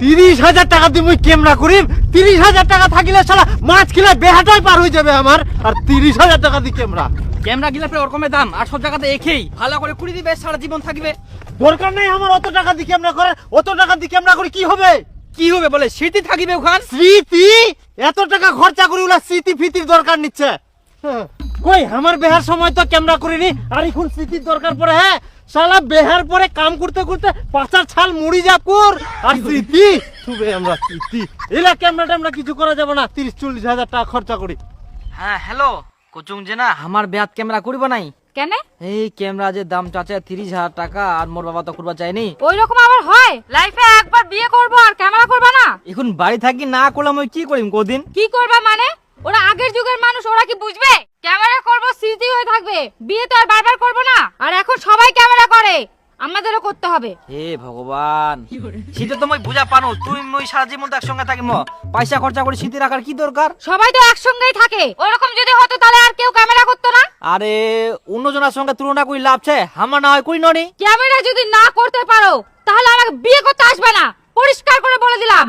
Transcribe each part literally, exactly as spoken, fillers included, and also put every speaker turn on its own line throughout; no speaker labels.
তিরিশ হাজার টাকা দিয়ে মুই ক্যামেরা করিম। তিরিশ হাজার টাকা থাকিলে শালা মাছ কিলা বেহাটাই পার হয়ে যাবে আমার। আর তিরিশ হাজার টাকা দিয়ে ক্যামেরা
ক্যামেরা গিলা প্রায় ওরকমের দাম, আর সব জায়গাতে একই। ভালো করে কুড়ি দিবে, সারা জীবন থাকবে।
দরকার নেই আমার অত টাকা দিয়ে ক্যামেরা করে। অত টাকা দিয়ে ক্যামেরা করে কি হবে?
কি হবে বলে, স্মৃতি থাকিবে ওখান।
স্মৃতি? এত টাকা খরচা করে ওলা স্মৃতি ফিতির দরকার নিচ্ছে। হ্যাঁ। কই আমার বেহার সময় তো ক্যামেরা করিনি, আর এখন স্মৃতির দরকার পড়ে। হ্যাঁ শালা বেহার পরে কাম করতে করতে পাঁচার ছাল মুড়ি যা পুর, আর স্মৃতি শুবে আমরা স্মৃতি। এলা ক্যামেরা ট্যামেরা কিছু করা যাবে না, তিরিশ চল্লিশ হাজার টাকা খরচা করি।
হ্যাঁ হ্যালো কোচুং যে না, আমার বেহাত ক্যামেরা করবো নাই
কেন?
এই ক্যামেরা যে দাম চাচা তিরিশ হাজার টাকা, আর মোর বাবা তো করবা চাইনি।
ওই রকম আবার হয়? লাইফে একবার বিয়ে করব আর ক্যামেরা করবা না?
এখন বাড়ি থাকি না করলাম, ওই কি করিম কদিন?
কি করবা মানে? ওরা আগের যুগের মানুষ, ওরা কি বুঝবে? ক্যামেরা করব, স্মৃতি হয়ে থাকবে। বিয়ে তো আর বারবার করব না। আর এখন সবাই ক্যামেরা করে, আমাদেরও করতে হবে।
হে ভগবান, শীতে তো মই বুঝা পানো, তুই মই সারা জীবন তো একসঙ্গে থাকিম, পয়সা খরচা করে শীতে রাখার কি দরকার?
সবাই তো একসঙ্গেই থাকে। ওরকম যদি হতো তাহলে আর কেউ ক্যামেরা করতো না।
আরে অন্যজনের সঙ্গে তুলনা করি লাভ আছে? আমার না হয় করি ননি।
ক্যামেরা যদি না করতে পারো তাহলে আমাকে বিয়ে করতে আসবে না, পরিষ্কার করে বলে দিলাম।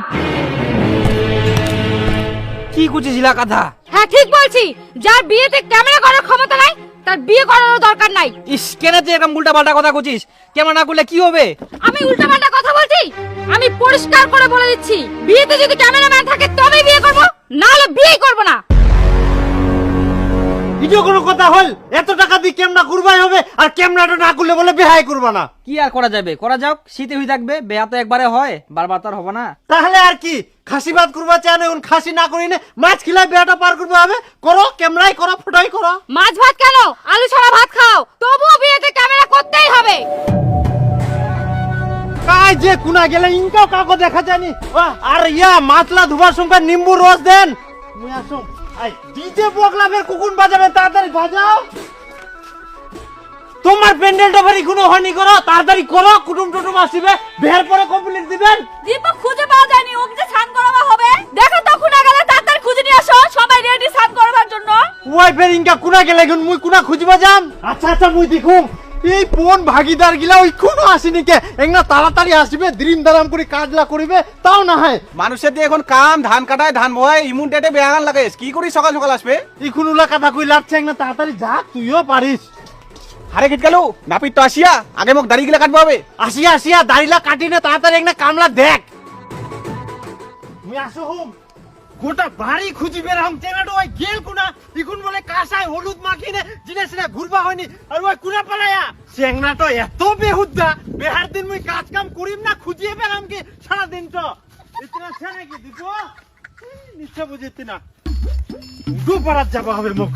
কি কুচিছিলা কথা?
হ্যাঁ ঠিক বলছি, যার বিয়েতে ক্যামেরা করার ক্ষমতা নাই তার বিয়ে করারও দরকার নাই।
ইস, কেন তুই এরকম উল্টা পাল্টা কথা কুচিস? কেমন না করলে কি হবে?
আমি উল্টা পাল্টা কথা বলছি? আমি পরিষ্কার করে বলে দিচ্ছি, বিয়েতে যদি ক্যামেরাম্যান থাকে তবেই বিয়ে করব, না হলে বিয়ে করব না।
ভিডিও কোনো কথা হল? এত টাকা দিয়ে ক্যামেরা করবাই হবে, আর ক্যামেরাটা না করলে বলে বেহাই করবা না।
কি আর করা যাবে, করা যাক, শীতে হয়ে থাকবে। বেয়া তো একবারে হয়, বারবার তো আর হবে না।
তাহলে আর কি, খাসি ভাত করবা চায় না, এখন খাসি না করি না, মাছ খিলাই বেহাটা পার করবে হবে। করো, ক্যামেরাই করো, ফটোই করো।
মাছ ভাত কেন, আলু ছাড়া ভাত খাও, তবুও বিয়েতে ক্যামেরা করতেই হবে।
কাই যে কুনা গেলে ইনকাও কাকো দেখা যায়নি। আহ, আর ইয়া মাছলা ধুবার সঙ্গে নিম্বু রস দেন। মুই আসুম। আই ডিজে বগলাবের কুকুন বাজাবে, তাড়াতাড়ি বাজাও। তোমার প্যান্ডেলটা ভারি কোনো হয়নি, করো তাড়াতাড়ি করো, কুটুম টুটুম আসিবে, বের পরে কমপ্লিট দিবেন।
দীপক খুঁজে পাওয়া যায়নি, ওকে যে স্নান করাবা হবে। দেখো তো খুনা গেলে তাড়াতাড়ি খুঁজে নিয়ে আসো, সবাই রেডি স্নান করবার জন্য।
ওয়াইফের ইনকা কুনা গেলে এখন মুই কুনা খুঁজবা যাম। আচ্ছা আচ্ছা মুই দেখুম। এই কোন ভাগিদার গিলা ওই কোনো আসেনি কে, একনা তাড়াতাড়ি আসবে, দ্রিম দারাম করে কাজলা করিবে, তাও না হয়।
মানুষের দিয়ে এখন কাম ধান কাটায় ধান বয় ইমুন ডেটে বেয়াগান লাগে, কি করি সকাল সকাল আসবে?
এখন উলা কথা কই লাগছে, একনা তাড়াতাড়ি যা, তুইও পারিস।
হারে কেট গেল নাপিত তো আসিয়া, আগে মোক দাড়ি গিলা কাটবো হবে।
আসিয়া আসিয়া দাড়িলা কাটি না, তাড়াতাড়ি একনা কামলা দেখ। মুই আসো হুম, গোটা বাড়ি খুঁজি বের হম, চেনাটো ওই গেল কুনা, ইকুন বলে কাঁসায় হলুদ মাখিনে জিনে সিনে ঘুরবা হয়নি, আর ওই কুনা পালায়া। চেংনাটো এত বেহুদ্দা, বেহার দিন মুই কাজ কাম করিম না, খুঁজিয়ে পেলাম কি সারা দিন তো। ইতনা ছেনে কি দিব নিশ্চয় বুঝিতি না, উডু পারাত যাবা হবে মুখ।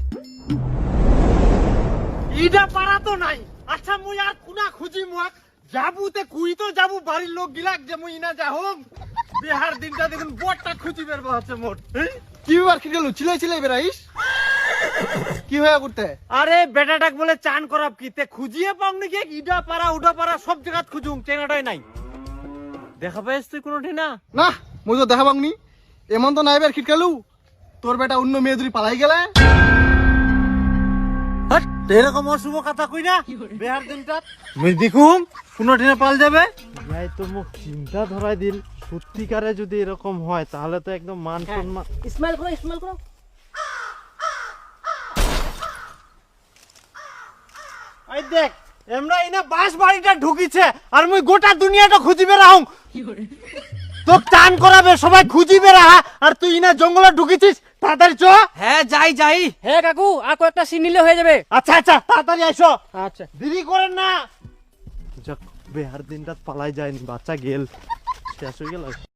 ইডা পারা তো নাই। আচ্ছা মুই আর কুনা খুঁজি মুখ যাবুতে কুই তো যাবু, বাড়ির লোক গিলাক যে মুই না যাহম। বিহার দিনটা দেখুন বড়টা খুঁজি বের হচ্ছে মোট।
কি ব্যাপার কি গেল, চিলাই চিলাই বেড়াইস কি হয়ে করতে?
আরে বেটাটাক বলে চান করাব কি তে খুঁজিয়ে পাও নাকি? ইডা পারা উডা পারা সব জায়গাত খুঁজুম, চেনাটাই নাই। দেখা পাইস তুই কোনোটি না?
না মই তো দেখা পাংনি, এমন তো নাই বের খিটকালু তোর বেটা অন্য মেয়ে ধরি পালাই গেলে।
হাট, এরকম অশুভ কথা কই না বিহার দিনটা। মুই দেখুম কোনোটি না পাল যাবে। ভাই তো মুখ চিন্তা ধরাই দিল, সত্যিকারে যদি এরকম হয় তাহলে তো একদম মান সম্মান।
স্মাইল করো, স্মাইল করো।
এই দেখ আমরা ইনা বাস বাড়িটা ঢুকিছে, আর মুই গোটা দুনিয়াটা খুঁজিবে রাহুম। তোক টান করাবে, সবাই খুঁজিবে রাহা, আর তুই ইনা জঙ্গলে ঢুকিছিস। তাড়াতাড়ি চ।
হ্যাঁ যাই যাই। হ্যাঁ কাকু, আর কয়েকটা সিন নিলে হয়ে যাবে।
আচ্ছা আচ্ছা তাড়াতাড়ি আইসো।
আচ্ছা
দেরি করেন না। যাক বেহার দিনটা পালাই যায়নি, বাচ্চা গেল, শেষ হয়ে গেল।